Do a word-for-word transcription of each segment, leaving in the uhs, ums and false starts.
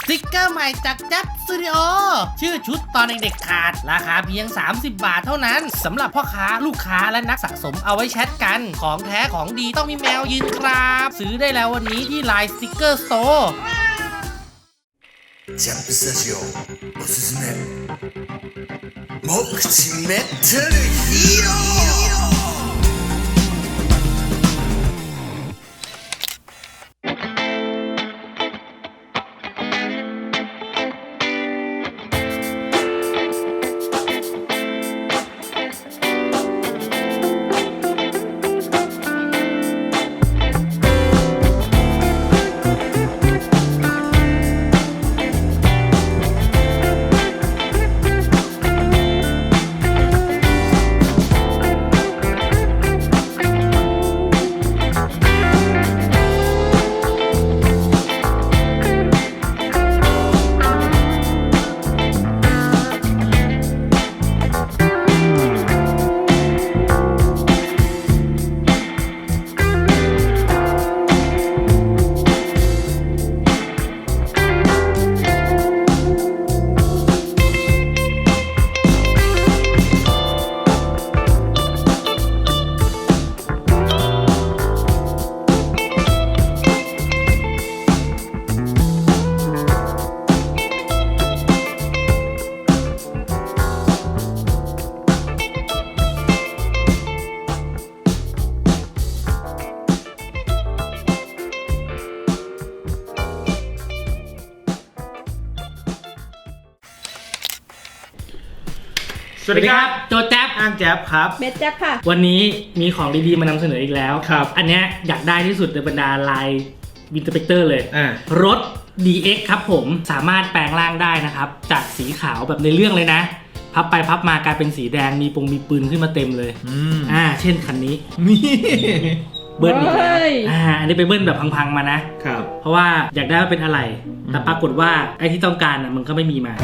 สติกเกอร์ใหม่จากแจ๊บสตูดิโอชื่อชุดตอนเด็กๆขาดราคาเพียงสามสิบบาทเท่านั้นสำหรับพ่อค้าลูกค้าและนักสะสมเอาไว้แชทกันของแท้ของดีต้องมีแมวยืนครับซื้อได้แล้ววันนี้ที่ไลน์สติกเกอร์สโตร์ジャンプスタジオおすすめ目口メタルヒーローสวัสดีครับโจแจ๊บอ้างแจ๊บครับเบสแจ๊บค่ะวันนี้มีของดีๆมานำเสนออีกแล้วครับ อันเนี้ยอยากได้ที่สุดในบรรดาลายวินเทอร์สเปกเตอร์เลยอ่ารถ ดี เอ็กซ์ ครับผมสามารถแปลงร่างได้นะครับจากสีขาวแบบในเรื่องเลยนะพับไปพับมากลายเป็นสีแดงมีปงมีปืนขึ้นมาเต็มเลยอืมอ่าเช่นคันนี้นี่เบิ้ลอีกแล้วอ่าอันนี้ไปเบิ้ลแบบพังๆมานะครับเพราะว่าอยากได้ว่าเป็นอะไรแต่ปรากฏว่าไอ้ที่ต้องการอ่ะมันก็ไม่มีมา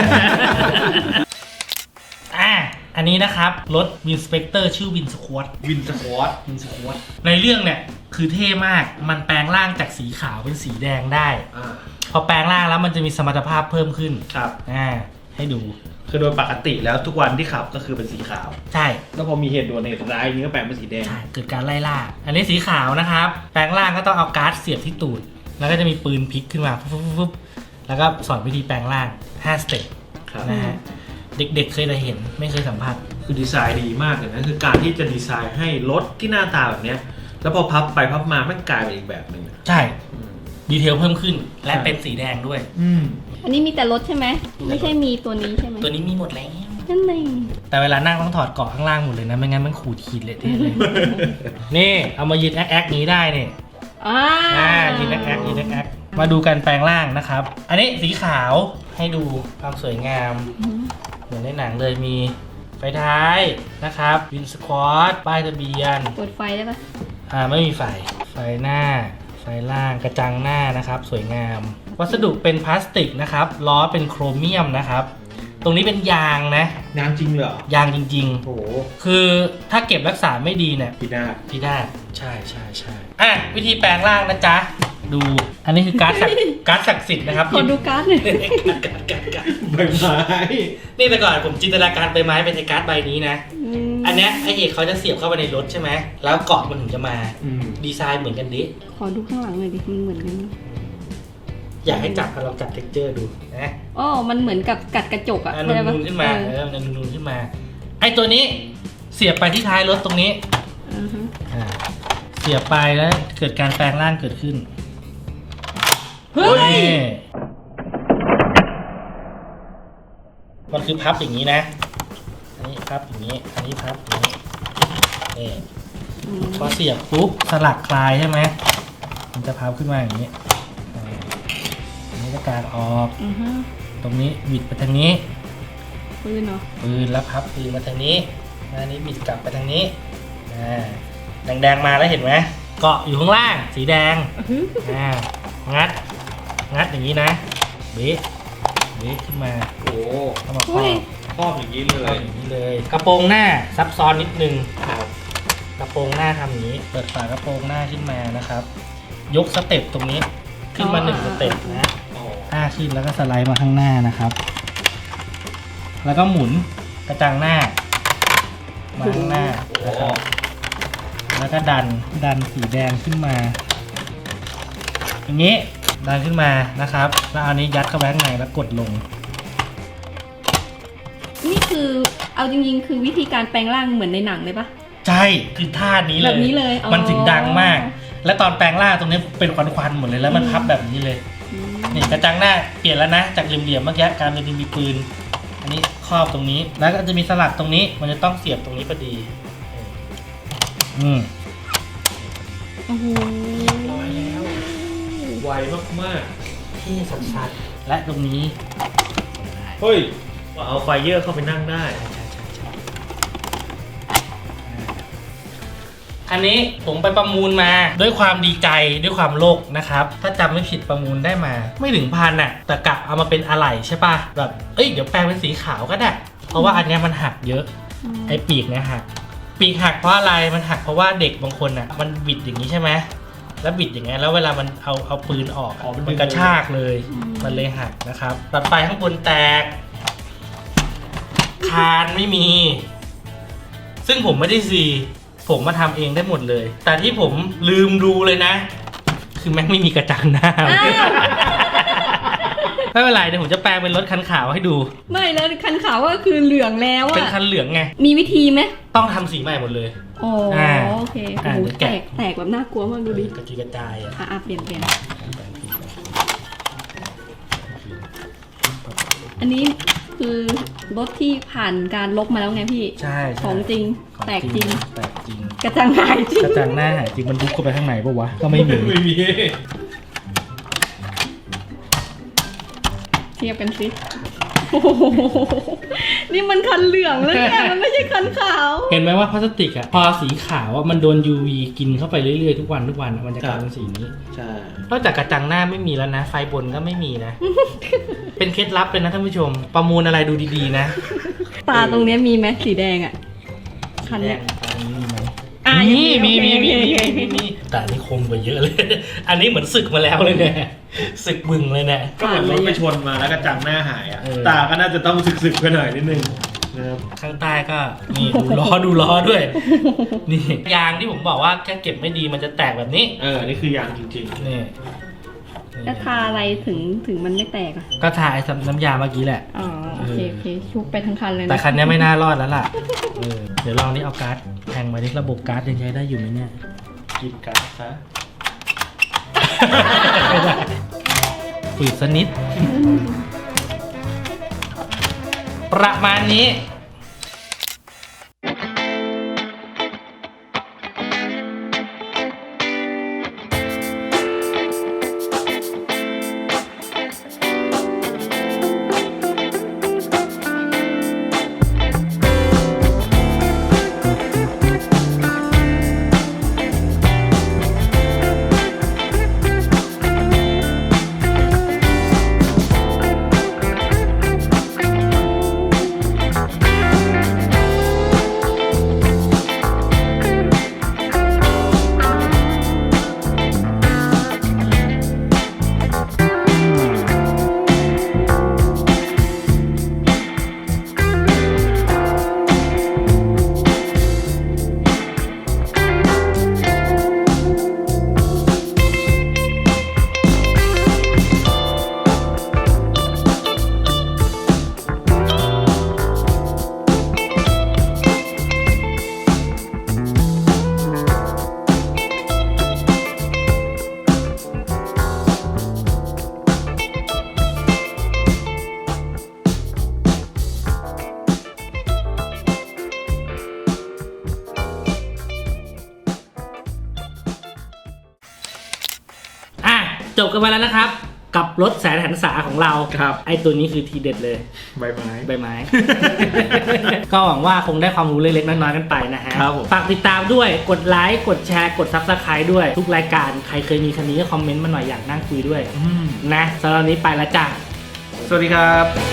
อ่าอันนี้นะครับรถวินสเปกเตอร์ชื่อวินสควอตวินสควอตวินสควอตในเรื่องเนี่ยคือเท่มากมันแปลงร่างจากสีขาวเป็นสีแดงได้อ่าพอแปลงร่างแล้วมันจะมีสมรรถภาพเพิ่มขึ้นครับอ่าให้ดูคือโดยปกติแล้วทุกวันที่ขับก็คือเป็นสีขาวใช่แล้วพอมีเหตุด่วนเหตุร้ายนี้ก็แปลงเป็นสีแดงใช่เกิดการไล่ล่าอันนี้สีขาวนะครับแปลงร่างก็ต้องเอาการ์ดเสียบที่ตูดแล้วก็จะมีปืนพลิกขึ้นมาปุ๊บแล้วก็สอนวิธีแปลงร่างห้าสเต็ปนะฮะเด็กๆเคยได้เห็นไม่เคยสัมผัสคือดีไซน์ดีมากเลยนะคือการที่จะดีไซน์ให้รถที่หน้าตาแบบเนี้ยแล้วพอพับไปพับมามันกลายเป็นอีกแบบหนึ่งใช่ดีเทลเพิ่มขึ้นและเป็นสีแดงด้วยอืมอันนี้มีแต่รถใช่ไหมไม่ใช่มีตัวนี้ใช่ไหมตัวนี้มีหมดแล้วนั่นเองแต่เวลานั่งต้องถอดเกาะข้างล่างหมดเลยนะไม่งั้นมันขูดขีดเลยเท่เลย นี่เอามายืนแอ๊กแอ๊กนี้ได้เนี่ยอ่ายืนแอ๊กแอ๊กยืนแอ๊กแอ๊กมาดูกันแปลงร่างนะครับอันนี้สีขาวให้ดูความสวยงามเหมือนในหนังเลยมีไฟท้ายนะครับวินสควอตป้ายทะเบียนเปิดไฟได้ปะอ่าไม่มีไฟไฟหน้าไฟล่างกระจังหน้านะครับสวยงามวัสดุเป็นพลาสติกนะครับล้อเป็นโครเมียมนะครับตรงนี้เป็นยางนะยางจริงเหรอยางจริงๆโอ้คือถ้าเก็บรักษาไม่ดีเนี่ยพินาศพินาศใช่ใช่ใช่อ่ะวิธีแปลงร่างนะจ๊ะดูอันนี้คือการ์ดการ์ดศักดิ์สิทธิ์นะครับขอดูการ์ดหน่อยการ์ดการ์ดการ์ดใบไม้นี่แต่ก่อนผมจินตนาการใบไม้เป็นในการ์ดใบนี้นะอันเนี้ยไอเอกเขาจะเสียบเข้าไปในรถใช่ไหมแล้วเกาะมันถึงจะมาดีไซน์เหมือนกันดิขอดูข้างหลังหน่อยดิมันเหมือนกันอยากให้จับลองจับเท็กเจอร์ดูนะอ๋อมันเหมือนกับกัดกระจกอะนูนนูนขึ้นมาเออนูนนูนขึ้นมาไอตัวนี้เสียบไปที่ท้ายรถตรงนี้อ่าเสียบไปแล้วเกิดการแปลงร่างเกิดขึ้นเฮ้ยมันคือพับอย่างนี้นะอันนี้พับอย่างนี้อันนี้พับอย่างนี้เออพอเสียบปุ๊บสลักคลายใช่ไหมมันจะพับขึ้นมาอย่างนี้อันนี้จะการออกตรงนี้บิดไปทางนี้ปืนเนาะปืนแล้วพับปืนมาทางนี้อันนี้บิดกลับไปทางนี้แดงๆมาแล้วเห็นไหมเกาะอยู่ข้างล่างสีแดงอ่างัดงัดอย่างนี้นะเบะเบะขึ้นมาโอ้เข้ามาครอบครอบอย่างนี้เลยอย่างนี้เลยกระโปรงหน้าซับซ้อนนิดนึงกระโปรงหน้าทำอย่างนี้เปิดฝากระโปรงหน้าขึ้นมานะครับยกสเต็ปตรงนี้ขึ้นมาหนึ่งสเต็ปนะอ่าขึ้นแล้วก็สไลด์มาข้างหน้านะครับ แล้วก็หมุนกระจังหน้ามาข้างหน้านะครับแล้วก็ดันดันสีแดงขึ้นมาอย่างนี้ดันขึ้นมานะครับแล้วเอานี้ยัดเข้าไปข้างในแล้วกดลงนี่คือเอาจริงๆ คือวิธีการแปลงร่างเหมือนในหนังเลยปะใช่คือท่านี้เลยแบบนี้เลยอ๋อมันถึงดังมาก และตอนแปลงร่างตรงนี้เป็นควันๆหมดเลยแล้วมันพับแบบนี้เลยอืมนี่กระจังหน้าเปลี่ยนแล้วนะจากเหลี่ยมๆเมื่อกี้กลายเป็นมีปืนอันนี้ครอบตรงนี้แล้วก็จะมีสลักตรงนี้มันจะต้องเสียบตรงนี้พอดีอืมโอ้โหร้อยแล้ว ไวมากที่สัดๆและตรงนี้ๆ เฮ้ยว่าเอาไฟเยอร์เข้าไปนั่งได้อันนี้ผมไปประมูลมาด้วยความดีใจด้วยความโลภนะครับถ้าจำไม่ผิดประมูลได้มา ไม่ถึงพันอ่ะแต่กะเอามาเป็นอะไหล่ใช่ป่ะแบบเอ้ยเดี๋ยวแปลงเป็นสีขาวก็ได้เพราะว่าอันเนี้ยมันหักเยอะไอ้ปีกเนี่ยหักปีกหักเพราะอะไรมันหักเพราะว่าเด็กบางคนอ่ะมันบิดอย่างนี้ใช่ไหมแล้วบิดอย่างเงี้ยแล้วเวลามันเอาเอาปืนออกอ๋อมันดึงมันกระชากเลยมันเลยหักนะครับตัดไฟข้างบนแตกคานไม่มี ซึ่งผมไม่ได้ซีผมมาทำเองได้หมดเลย แต่ที่ผมลืมดูเลยนะ คือแม่งไม่มีกระจังหน้า ไม่เป็นไรเดี๋ยวผมจะแปลงเป็นรถคันขาวให้ดูไม่แล้วคันขาวก็คือเหลืองแล้วเป็นอะคันเหลืองไงมีวิธีไหมต้องทำสีใหม่หมดเลยอ๋ออ่าโอเคอ่าโอ้โหเดี๋ยวแตแกะกแตกแบบน่ากลัวมากดูดิกระจุยกระจายอ่ะอ่ะอ่ะเปลี่ยนเปลี่ยนอันนี้คือรถที่ผ่านการลบมาแล้วไงพี่ใช่ใช่ของจริงของแตกจริงแตกจริงกระจังหายจริงกระจังหน้าหายจริงมันบุกเข้าไปข้างในปะวะก็ไม่มีไม่มีเทียบกันสิโอ้โหนี่มันคันเหลืองแล้วเนี่ยมันไม่ใช่คันขาวเห็นไหมว่าพลาสติกอ่ะพอสีขาวอ่ะมันโดน ยู วี กินเข้าไปเรื่อยๆทุกวันทุกวันอะมันจะกลายเป็นสีนี้ใช่นอกจากกระจังหน้าไม่มีแล้วนะ ไฟบนก็ไม่มีนะ เป็นเคล็ดลับเลยนะท่านผู้ชม ประมูลอะไรดูดีๆนะตาตรงเนี้ยมีไหมสีแดงอ่ะ คันแดเนี้ยงตรงนี้มีไหมอ่ะมียังมีมีมีโอมีเคมีโอเคมีมีแต่อันนี้คมกว่าเยอะเลย อันนี้เหมือนศึกมาแล้วเลยเนี่ยศึกบึงเลยเนี่ยก็เหมือนรถไปชนมาแล้วกระจังหน้าหายอ่ะเออตาก็น่าจะต้องสึกๆไปหน่อยนิดนึงนะครับข้างใต้ก็นี่ดูล้อดูล้อด้วย นี่ยางที่ผมบอกว่าแค่เก็บไม่ดีมันจะแตกแบบนี้เออ นี่คือยางจริงนี่แล้วทาอะไรถึงถึงมันไม่แตกอ่ะก็ทาไอ้น้ำยาเมื่อกี้แหละอ๋อโอเคโอเคชุบไปทั้งคันเลยนะแต่คันนี้ไม่น่ารอดแล้วล่ะเออเดี๋ยวลองนี่เอาการ์ดแทงมาดิระบบการ์ดยังใช้ได้อยู่ไหมเนี่ยๆกินกันซะไม่ได้ฝืดสกนิด ประมาณนี้ อ่ะจบกันไปแล้วนะครับ กับรถแสนหันษาของเราครับไอตัวนี้คือทีเด็ดเลยใบไม้ใบไม้ ก็หวังว่าคงได้ความรู้เล็กๆน้อยๆกันไปนะฮะครับผมฝากติดตามด้วยกดไลค์กดแชร์กด ซับสไครบ์ ด้วยทุกรายการใครเคยมีคันนี้ก็คอมเมนต์มาหน่อยอยากนั่งคุยด้วยอืมนะสำหรับวันนี้ไปแล้วจ้ะสวัสดีครับ